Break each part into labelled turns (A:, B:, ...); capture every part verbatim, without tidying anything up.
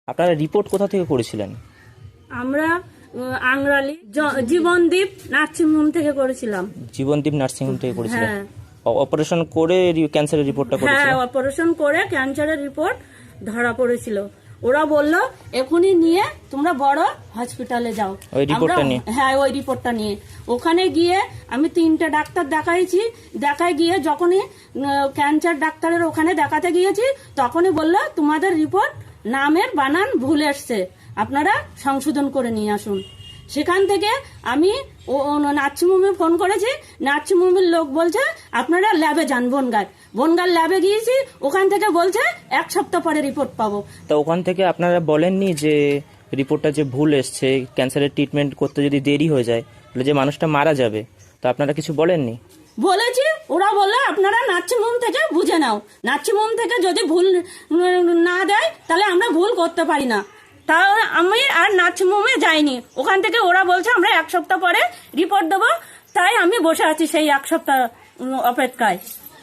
A: আপনারা রিপোর্ট কোথা থেকে করেছিলেন?
B: আমরা আংরালি জীবনদীপ নার্সিংহোম থেকে করেছিলাম।
A: জীবনদীপ নার্সিংহোম থেকে করেছিলেন?
B: হ্যাঁ।
A: অপারেশন করে ক্যান্সারের রিপোর্টটা করেছিলেন?
B: হ্যাঁ, অপারেশন করে ক্যান্সারের রিপোর্ট ধরা পড়েছিল। ওরা বললো এখনই নিয়ে তোমরা বড় হসপিটালে যাও।
A: ওই রিপোর্টটা নিয়ে?
B: হ্যাঁ, ওই রিপোর্টটা নিয়ে ওখানে গিয়ে আমি তিনটে ডাক্তার দেখাইছি। দেখায় গিয়ে যখনই ক্যান্সার ডাক্তারের ওখানে দেখাতে গিয়েছি তখনই বললো তোমাদের রিপোর্ট নামের বানান ভুল এসছে, আপনারা সংশোধন করে নিয়ে আসুন। সেখান থেকে আমি নার্সিংহোমে ফোন করেছি। নার্সিংহোমের লোক বলছে আপনারা ল্যাবে যান, বনগাঁ বনগাঁ ল্যাবে গিয়েছি। ওখান থেকে বলছে এক সপ্তাহ পরে রিপোর্ট পাবো।
A: তা ওখান থেকে আপনারা বলেননি যে রিপোর্টটা যে ভুল এসছে, ক্যান্সারের ট্রিটমেন্ট করতে যদি দেরি হয়ে যায় তাহলে যে মানুষটা মারা যাবে, তা আপনারা কিছু বলেননি?
B: বলেছি, ওরা বললো আপনারা নার্সিংহোম থেকে বুঝে নাও। নার্সিংহোম থেকে যদি ভুল না দেয় তাহলে আমরা ভুল করতে পারি না। তা আমি আর নার্সিংহোমে যাইনি। ওখান থেকে ওরা বলছে আমরা এক সপ্তাহ পরে রিপোর্ট দেবো। তাই আমি বসে আছি সেই এক সপ্তাহ অপেক্ষায়।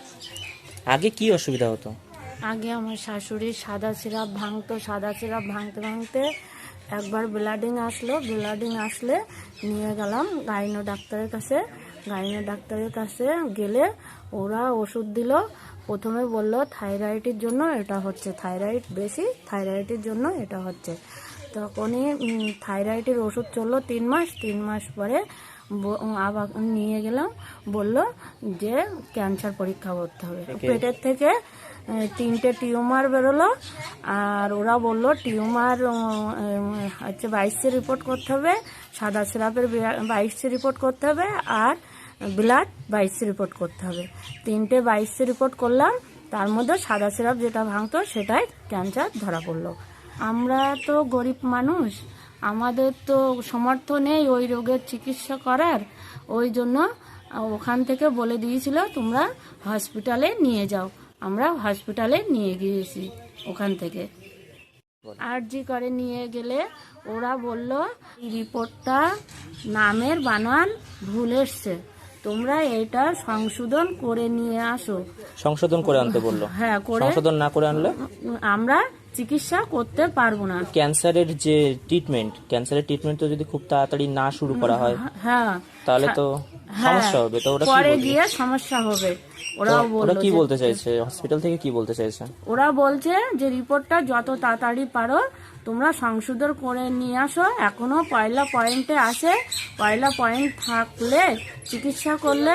A: আগে কি অসুবিধা হতো?
C: আগে আমার শাশুড়ির সাদা সিরাপ ভাঙতো। সাদা সিরাপ ভাঙতে ভাঙতে একবার ব্লাডিং আসলো। ব্লাডিং আসলে নিয়ে গেলাম গাইনো ডাক্তারের কাছে। গাইনো ডাক্তারের কাছে গেলে ওরা ওষুধ দিল। প্রথমে বলল থাইরয়েডের জন্য এটা হচ্ছে, থাইরয়েড বেশি, থাইরয়েডের জন্য এটা হচ্ছে। তখনই থাইরয়েডের ওষুধ চললো তিন মাস। তিন মাস পরে আবার নিয়ে গেলাম, বলল যে ক্যান্সার পরীক্ষা করতে হবে। পেটের থেকে তিনটে টিউমার বেরোলো। আর ওরা বললো টিউমার হচ্ছে বাইশে রিপোর্ট করতে হবে, সাদা সিরাপের বাইশে রিপোর্ট করতে হবে, আর ব্লাড বাইশে রিপোর্ট করতে হবে। তিনটে বাইশে রিপোর্ট করলাম, তার মধ্যে সাদা সিরাপ যেটা ভাঙতো সেটাই ক্যান্সার ধরা পড়লো। আমরা তো গরিব মানুষ, আমাদের তো সামর্থ্য নেই ওই রোগের চিকিৎসা করার। ওই জন্য ওখান থেকে বলে দিয়েছিল তোমরা হসপিটালে নিয়ে যাও। আমরা হসপিটালে নিয়ে গিয়েছি। ওখান থেকে আরজি করে নিয়ে গেলে ওরা বলল রিপোর্টটা নামের বানান ভুল এসছে, তোমরা এটা সংশোধন করে নিয়ে আসো।
A: সংশোধন করে আনতে বললো?
C: হ্যাঁ, করে।
A: সংশোধন না করে আনলে
C: আমরা চিকিৎসা করতে পারবো না।
A: ক্যান্সারের যে ট্রিটমেন্ট, ক্যান্সারের ট্রিটমেন্ট তো যদি খুব তাড়াতাড়ি না শুরু করা হয়
C: হ্যাঁ
A: তাহলে তো সমস্যা হবে। তো ওরা
C: পরে গিয়ে সমস্যা হবে। ওরা
A: ওরা কি বলতে চাইছে হসপিটাল থেকে, কি বলতে চাইছে?
C: ওরা বলছে যে রিপোর্টটা যত তাড়াতাড়ি পারো তোমরা সংশোধন করে নিয়ে আসো। এখনো পয়লা পয়েন্টে আসে, পয়লা পয়েন্ট থাকলে চিকিৎসা করলে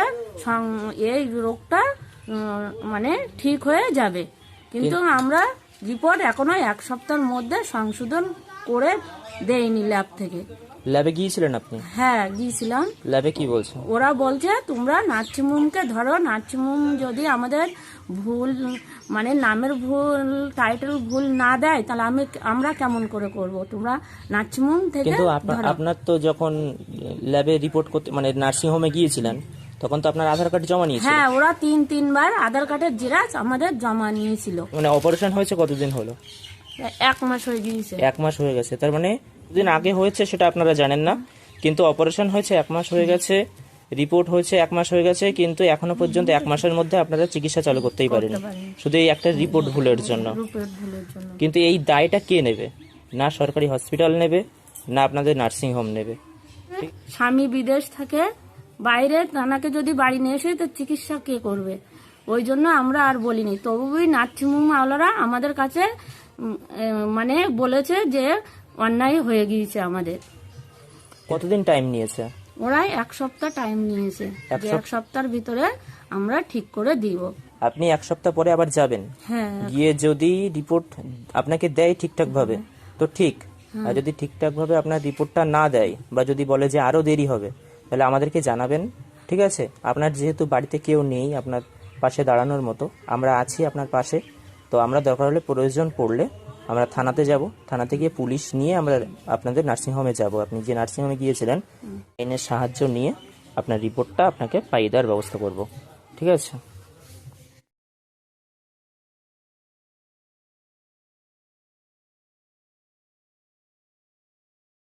C: এই রোগটা মানে ঠিক হয়ে যাবে। কিন্তু আমরা রিপোর্ট এখনো এক সপ্তাহের মধ্যে সংশোধন করে দেয়নি ল্যাব থেকে।
A: ল্যাবে গিয়েছিলেন আপনি?
C: হ্যাঁ, গিয়েছিলাম।
A: ল্যাবে কি বলছে?
C: ওরা বলছে তোমরা নার্সিংহোমকে ধরো, নার্সিংহোম যদি আমাদের ভুল মানে নামের ভুল, টাইটেল ভুল না দেয় তাহলে আমি আমরা কেমন করে করব, তোমরা নার্সিংহোম থেকে।
A: কিন্তু আপনার তো যখন ল্যাবে রিপোর্ট করতে মানে নার্সিংহোমে গিয়েছিলেন তখন তো আপনার আধার কার্ড জমা নিয়েছিল?
C: হ্যাঁ, ওরা তিন তিনবার আধার কার্ডের জেরক্স আমাদের জমা নিয়েছিল।
A: মানে অপারেশন হয়েছে কতদিন হলো?
C: এক মাস হয়ে গিয়েছে।
A: এক মাস হয়ে গেছে, তার মানে দিন আগে হয়েছে সেটা আপনারা জানেন না, কিন্তু অপারেশন হয়েছে এক মাস হয়ে গেছে, রিপোর্ট হয়েছে এক মাস হয়ে গেছে, কিন্তু এখনো পর্যন্ত এক মাসের মধ্যে আপনারা চিকিৎসা চালু করতেই পারেন শুধু এই একটা রিপোর্ট ভুলের জন্য। কিন্তু এই দায়টা কে নেবে? না সরকারি হসপিটাল নেবে, না আপনাদের নার্সিং হোম নেবে।
C: স্বামী বিদেশ থাকে, বাইরে তানাকে যদি বাড়ি নিয়ে এসে তো চিকিৎসা কে করবে? ওই জন্য আমরা আর বলিনি। তবুই নার্সিংহোম আওলারা আমাদের কাছে মানে বলেছে যে অন্যায় হয়ে গিয়েছে আমাদের।
A: কতদিন টাইম নিয়েছে?
C: ওরা এক সপ্তাহ টাইম নিয়েছে, এক সপ্তাহের ভিতরে আমরা ঠিক করে দিব।
A: আপনি এক সপ্তাহ পরে আবার যাবেন?
C: হ্যাঁ,
A: গিয়ে যদি রিপোর্ট আপনাকে দেয় ঠিকঠাক ভাবে তো ঠিক, আর যদি ঠিকঠাক ভাবে আপনার রিপোর্টটা না দেয় বা যদি বলে যে আরো দেরি হবে তাহলে আমাদেরকে জানাবেন, ঠিক আছে? আপনার যেহেতু বাড়িতে কেউ নেই আপনার পাশে দাঁড়ানোর মতো, আমরা আছি আপনার পাশে। তো আমরা দরকার হলে প্রয়োজন পড়লে আমরা থানাতে যাব, থানাতে গিয়ে পুলিশ নিয়ে আমরা আপনাদের নার্সিংহোমে যাব। আপনি যে নার্সিংহোমে গিয়েছিলেন আইনের সাহায্য নিয়ে আপনার রিপোর্টটা আপনাকে পাইয়ে দেওয়ার ব্যবস্থা করব, ঠিক আছে?